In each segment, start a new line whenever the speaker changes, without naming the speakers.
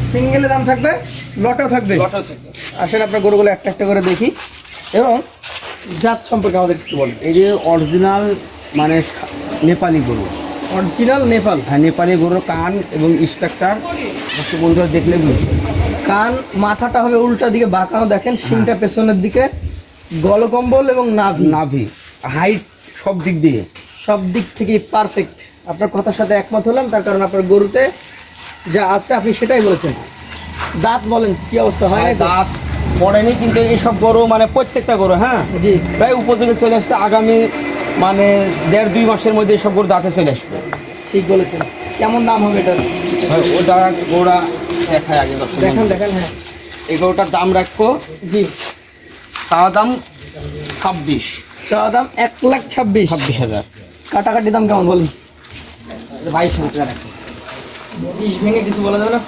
সিঙ্গেলে দাম থাকবে, লটেও থাকবে।
লটেও থাকবে।
আসেন আপনার গরুগুলো একটা একটা করে দেখি এবং জাত সম্পর্কে আমাদের একটু বলেন।
এই যে অরিজিনাল মানে নেপালি গরু,
অরিজিনাল নেপাল।
হ্যাঁ নেপালি গরুর কান এবং স্ট্রাকচার দর্শক বন্ধুরা দেখলে বুঝবে।
কান মাথাটা হবে উল্টা দিকে বাঁকানো, দেখেন শিংটা পেছনের দিকে, গলকম্বল এবং
নাভি হাইট সব দিক দিয়ে
সব দিক থেকে পারফেক্ট। আপনার কথার সাথে একমত হলাম, তার কারণ আপনার গরুতে যা আছে আপনি সেটাই বলেছেন। দাঁত বলেন কি অবস্থা হয়?
দাঁত পড়েনি, কিন্তু এইসব গরু মানে প্রত্যেকটা গরু হ্যাঁ
জি
প্রায় উপযোগে চলে আসছে। আগামী মানে 1.5-2 মাসের মধ্যে এইসব গরু দাঁতে চলে আসবে।
ঠিক বলেছেন। কেমন দাম হবে এটার?
ওটা গরুটা দেখায় আগে
দেখেন দেখেন। হ্যাঁ
এই গরুটার দাম রাখবো
জি,
চাওয়া দাম 26।
চাওয়া দাম 1,26,000। কাটাকাটি দাম কেমন বলেন?
22,000 টাকা রাখবো।
20 ভেঙে কিছু বলা যাবে না?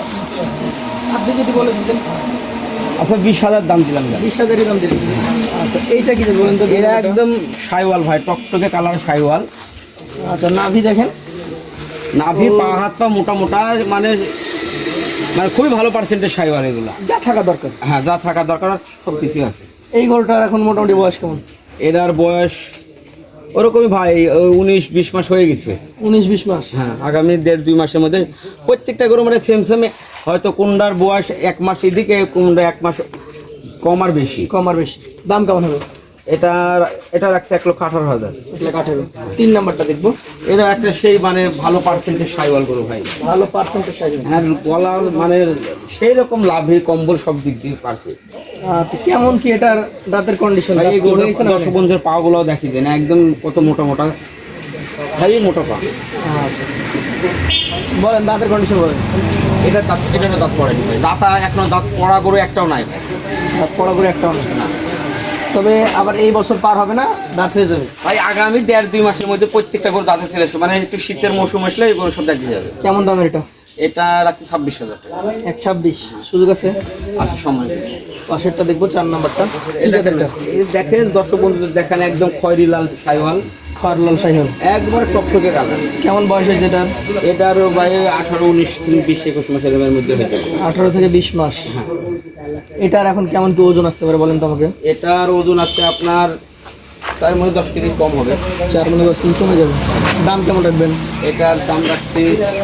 আপনি যদি বলে দিতেন।
আচ্ছা 20,000 দাম দিলাম।
20,000-ই দাম দিলেন। আচ্ছা এইটা কি বলেন তো?
এটা একদম সাইওয়াল ভাই, টকটকে কালার সাইওয়াল।
আচ্ছা নাভি দেখেন,
নাভি পা হাত পা মোটা মোটা, মানে মানে খুবই ভালো পার্সেন্টেজ সাইওয়াল এগুলো।
যা থাকা দরকার।
হ্যাঁ যা থাকা দরকার সব কিছুই আছে।
এই গরুটার এখন মোটামুটি বয়স কেমন?
এটার বয়স ওরকমই ভাই 19-20 মাস হয়ে গেছে।
19-20 মাস।
হ্যাঁ আগামী 1.5-2 মাসের মধ্যে প্রত্যেকটা গরু মানে সেম, হয়তো কোনটার বয়স 1 মাস এদিকে, কোনটা 1 মাস কম আর বেশি।
দাম কেমন হবে?
এটা রাখছে 1,18,000।
1,18,000। 3 নাম্বারটা দেখবো।
এটা একটা সেই মানে ভালো পার্সেন্টেজ সাইওয়াল গরু ভাই,
ভালো পার্সেন্টেজ সাইজ।
হ্যাঁ গলার মানে সেই রকম লাভে কম্বল সব দিক দিয়ে পারফেক্ট।
আচ্ছা কেমন কি এটার দাঁতের কন্ডিশন?
এই গরু দর্শক বন্ধুদের পা গুলো দেখি দেন, একদম কত মোটা মোটা, হেভি মোটা পা।
আচ্ছা বলেন দাঁতের কন্ডিশন বলেন।
এটা দাঁত পড়েনি ভাই, দাঁতা এখনো দাঁত পড়া গরু একটাও নাই।
দাঁত পড়া করে একটা অনেক না, তবে আবার এই বছর পার হবে না, দাঁত হয়ে যাবে
ভাই আগামী 1.5-2 মাসের মধ্যে প্রত্যেকটা গরু দাঁতে চলে আসবে, মানে একটু শীতের মৌসুম আসলে এই গরু সব দেখতে যাবে।
কেমন দামের এটা?
এটা রাখতে 26,000 টাকা।
1,26 সুযোগ আছে?
আচ্ছা সময়
পাশেরটা দেখবো, 4 নাম্বারটা। এই
দেখেন দর্শক বন্ধুদের দেখেন, একদম খয়েরি লাল সাইওয়াল,
খয়রলাল সাইহল,
একবার টকটকে কালার।
কেমন বয়স হয়েছে এটার?
এটারও ভাই 18-19-20-21 মাসের মধ্যে হয়ে যাবে।
18 থেকে 20 মাস।
হ্যাঁ
এটার এখন কেমন কি ওজন আসতে পারে বলেন তো আমাকে?
এটার ওজন আছে আপনার তার মধ্যে 10 কেজি কম হবে।
4 মানে 10 কেজি কমে যাবে। দাম কেমন রাখবেন?
এটার দাম রাখছি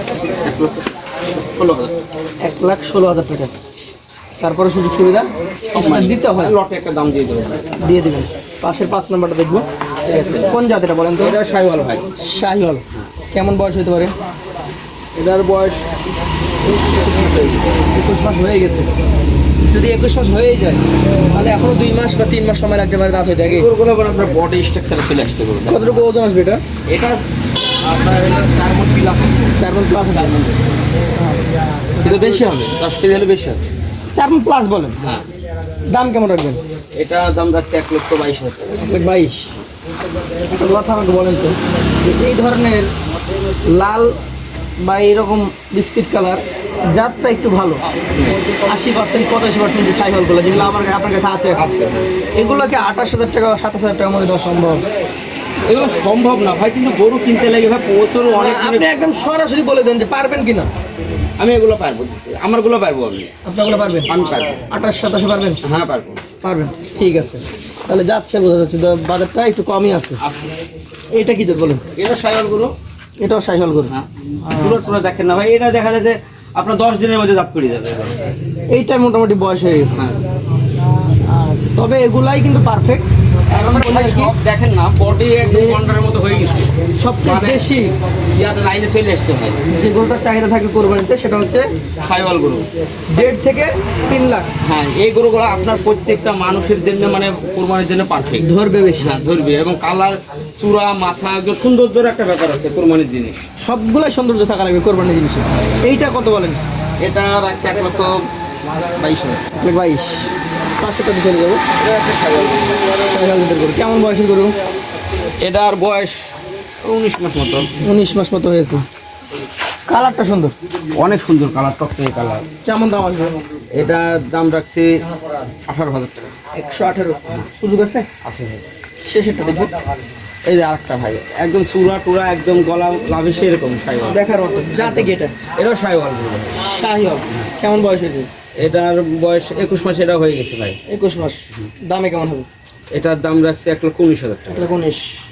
1,16,000।
1,16,000 টাকা। তারপরে সুযোগ সুবিধা দিতে হয়,
লটে একটা দাম দিয়ে দেবেন।
দিয়ে দেবেন। পাশের 5 নাম্বারটা দেখবো। কোন জাতের বলেন তো?
এটা সাইওয়াল ভাই।
শাহিওয়াল। কেমন বয়স হতে পারে?
এটার বয়স
21 মাস হয়ে গেছে। যদি 21 মাস হয়ে যায় তাহলে এখনো 2 মাস বা 3 মাস সময় লাগতে পারে দাঁত হইতে। আগে
গরুগুলো আপনার বডি স্ট্রাকচারে চলে আসছে গরু।
কতটুকু ওজন আসবে এটা?
এটা আপনার 4 মণ প্লাস আছে।
4 মণ প্লাস আছে। আচ্ছা
কিন্তু বেশি হবে, 10 কেজি হলে বেশি হবে।
4 মণ প্লাস বলেন।
হ্যাঁ
দাম কেমন রাখবেন?
এটা দাম রাখছে 1,22,000 টাকা।
1,22,000। একটা কথা আমাকে বলেন তো, যে এই ধরনের লাল বা এইরকম বিস্কিট কালার জাতটা একটু ভালো, 80% 85% যে সাইকেলগুলো যেগুলো আপনার কাছে আছে, এগুলোকে 28,000 টাকা 27,000 টাকার মধ্যে দেওয়া সম্ভব?
এগুলো সম্ভব না ভাই, কিন্তু গরু কিনতে লাগে ভাই প্রচুর অনেক।
আপনি একদম সরাসরি বলে দেন যে পারবেন কিনা।
আমি এগুলো পারবো, আমারগুলো পারবো আমি।
আপনাগুলো পারবেন?
আমি পারবো।
28-27 পারবেন?
হ্যাঁ পারবো।
পারবেন, ঠিক আছে। তাহলে যাচ্ছে, বোঝা যাচ্ছে বাজারটা একটু কমই আছে। এইটা কি বলেন?
এটা সাইওয়াল গরু।
এটাও সাইকেল গরু।
হ্যাঁ পুরো দেখেন না ভাই, এটা দেখা যায় যে আপনার 10 দিনের মধ্যে দাঁত পড়ে যাবে।
এইটা মোটামুটি বয়স হয়ে গেছে।
হ্যাঁ
আচ্ছা তবে এগুলাই কিন্তু পারফেক্ট। এখন
ভাই সব দেখেন না, বডি একদম কন্ডারের মতো হয়ে গেছে।
সবচেয়ে বেশি
ইয়াতে লাইনে চলে আসছে ভাই।
যে গরুটার চাহিদা থাকে কোরবানিতে সেটা হচ্ছে
সাইওয়াল গরু।
1.5 থেকে 3 লাখ।
হ্যাঁ এই গরুগুলো আপনার প্রত্যেকটা মানুষের জন্য মানে কোরবানির জন্য পারফেক্ট।
ধরবে বেশি।
হ্যাঁ ধরবে, এবং কালার চূড়া মাথা একদম সৌন্দর্যের একটা ব্যাপার আছে কোরবানির জিনিস।
সবগুলাই সৌন্দর্য থাকা লাগবে কোরবানির জিনিসে। এইটা কত বলেন?
এটা রাখছে 1,22,000।
1,22,000। পাঁচশোটাতে চলে যাবো।
এটা একটা সাইওয়াল
গরু। কেমন বয়সের গরু?
এটার বয়স 19 মাস মতো।
19 মাস মতো হয়েছে। কালারটা সুন্দর,
অনেক সুন্দর কালার, টকটকে কালার।
কেমন দাম আসবে?
এটার দাম রাখছি 18,000 টাকা।
118। সুযোগ আছে?
আছে ভাই।
শেষেরটা দেখবো।
এই যে আরেকটা ভাই একদম চূড়া টুরা একদম গলা লাভে সেরকম সাইওয়াল,
দেখার মতো জাতে কি এটা?
এটাও সাইওয়াল।
শাহিওয়াল। কেমন বয়স হয়েছে?
এটার বয়স 21 মাস এটা হয়ে গেছে ভাই।
21 মাস। দামে কেমন হবে?
এটার দাম রাখছে 1,19,000 টাকা।
1,19,000।